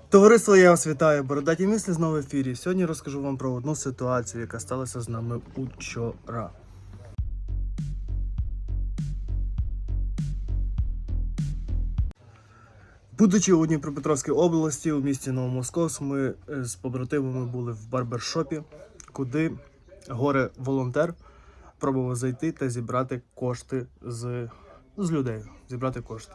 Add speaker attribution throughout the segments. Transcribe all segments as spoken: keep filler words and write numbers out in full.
Speaker 1: Товариство, я вас вітаю. Бородаті мислі знову в ефірі. Сьогодні розкажу вам про одну ситуацію, яка сталася з нами учора. Будучи у Дніпропетровській області, у місті Новомосковськ, ми з побратимами були в барбершопі, куди горе-волонтер пробував зайти та зібрати кошти з, з людей. Зібрати кошти.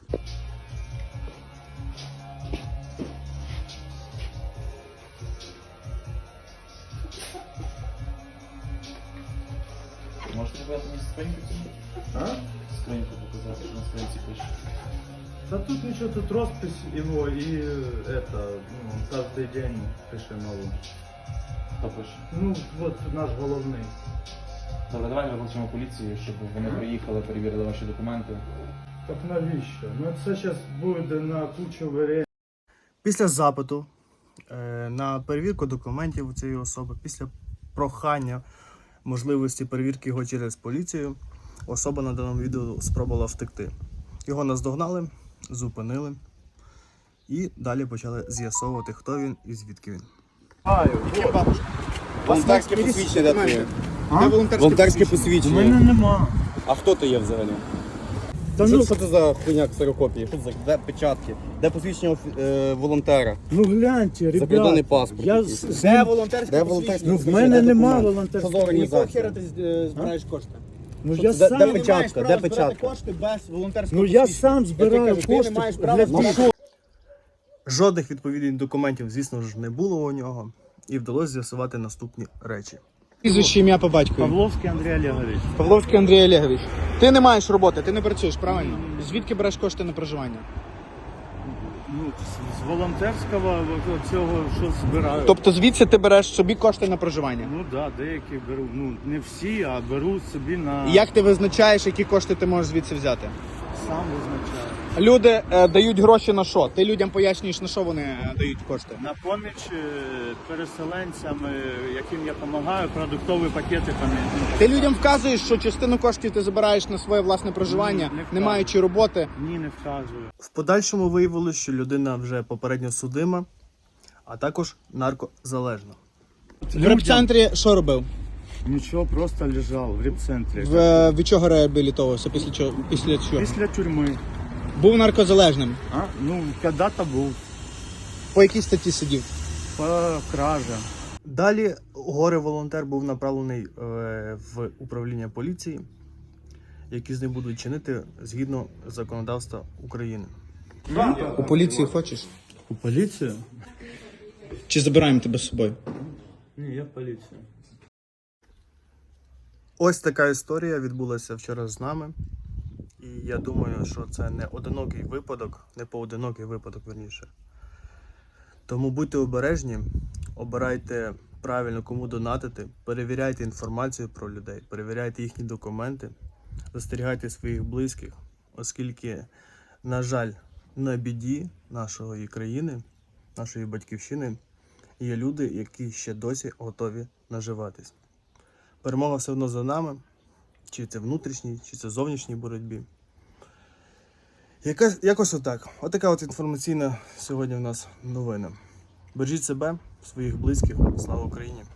Speaker 2: Можете показати мені скриньку цю?
Speaker 3: А?
Speaker 2: Скриньку показати, на скриньці пише.
Speaker 3: Да тут ничего, тут роспись его и это, ну, каждый день пише нову.
Speaker 2: Хто пише?
Speaker 3: Ну, вот наш головний.
Speaker 2: Добре, давай викличемо поліцію, щоб вони приїхали, перевірили ваші документи.
Speaker 3: Так навіщо? Ну це зараз буде на кучу варіантів.
Speaker 1: Після запиту е, на перевірку документів у цієї особи, після прохання можливості перевірки його через поліцію, особа на даному відео спробувала втекти. Його наздогнали, зупинили і далі почали з'ясовувати, хто він і звідки він.
Speaker 4: Волонтерське посвідчення де твоє? Волонтерське посвідчення.
Speaker 3: У мене нема.
Speaker 4: А хто ти є взагалі?
Speaker 3: Та
Speaker 4: Що,
Speaker 3: ну,
Speaker 4: що це за хуйня ксерокопії? Що це за де печатки? Де посвідчення офі- е, волонтера?
Speaker 3: ну гляньте,
Speaker 4: Закордонний
Speaker 3: ребят.
Speaker 4: паспорт.
Speaker 3: Я
Speaker 4: якийсь.
Speaker 3: з- з
Speaker 4: Де
Speaker 3: ним-
Speaker 4: волонтерське
Speaker 5: Де
Speaker 4: посвідчення?
Speaker 3: Ну, в мене
Speaker 4: Де
Speaker 3: нема
Speaker 4: документ?
Speaker 3: волонтерського.
Speaker 4: Що за організація?
Speaker 5: Якого хера ти е, збираєш кошти?
Speaker 3: Ну
Speaker 4: Що
Speaker 3: я
Speaker 4: це? Де-
Speaker 3: сам,
Speaker 4: де
Speaker 5: Ти не
Speaker 4: печатка?
Speaker 5: маєш
Speaker 4: Де
Speaker 5: права збирати
Speaker 4: печатка?
Speaker 5: кошти без волонтерського
Speaker 3: ну я
Speaker 5: посвідчення.
Speaker 3: сам збираю
Speaker 5: кажу, ти не
Speaker 3: кошти
Speaker 5: маєш права
Speaker 3: для
Speaker 5: збирати.
Speaker 3: того.
Speaker 1: Жодних відповідних документів, звісно ж, не було у нього, і вдалося з'ясувати наступні речі.
Speaker 5: Прізвище, ім'я по батькові.
Speaker 3: Павловський Андрій Олегович.
Speaker 5: Павловський Андрій Олегович. Ти не маєш роботи, ти не працюєш, правильно? Звідки береш кошти на проживання?
Speaker 3: Ну, з- з волонтерського цього, що збираю.
Speaker 5: Тобто звідси ти береш собі кошти на проживання?
Speaker 3: Ну так, да, деякі беру. Ну, не всі, а беру собі на...
Speaker 5: І як ти визначаєш, які кошти ти можеш звідси взяти?
Speaker 3: Сам визначаю.
Speaker 5: Люди е, дають гроші на що? Ти людям пояснюєш, на що вони е, дають кошти?
Speaker 3: На поміч е, переселенцям, е, яким я допомагаю, продуктові пакети там. ну,
Speaker 5: Ти людям вказуєш, що частину коштів ти забираєш на своє власне проживання,
Speaker 3: Ні, не
Speaker 5: не
Speaker 3: вказую.
Speaker 5: маючи роботи.
Speaker 3: Ні, не вказую.
Speaker 1: В подальшому виявилося, що людина вже попередньо судима, а також наркозалежна.
Speaker 5: В репцентрі що робив?
Speaker 3: Нічого, просто лежав в репцентрі.
Speaker 5: В, е, від чого реабілітовувався? Після чого? Після чого?
Speaker 3: Після тюрми.
Speaker 5: Був наркозалежним.
Speaker 3: А? Ну, коли-то був.
Speaker 5: По якій статті сидів?
Speaker 3: По кража.
Speaker 1: Далі горе-волонтер був направлений е, в управління поліції, які з ним будуть чинити згідно законодавства України.
Speaker 5: У поліції хочеш?
Speaker 3: У поліцію?
Speaker 5: Чи забираємо тебе з собою?
Speaker 3: Ні, я поліція.
Speaker 1: Ось така історія відбулася вчора з нами. І я думаю, що це не одинокий випадок, не поодинокий випадок, верніше. Тому будьте обережні, обирайте правильно, кому донатити, перевіряйте інформацію про людей, перевіряйте їхні документи, застерігайте своїх близьких, оскільки, на жаль, на біді нашої країни, нашої батьківщини є люди, які ще досі готові наживатись. Перемога все одно за нами, чи це внутрішній, чи це зовнішній боротьбі. Яка, якось отак. Отака от інформаційна сьогодні в нас новина. Бережіть себе, своїх близьких. Слава Україні!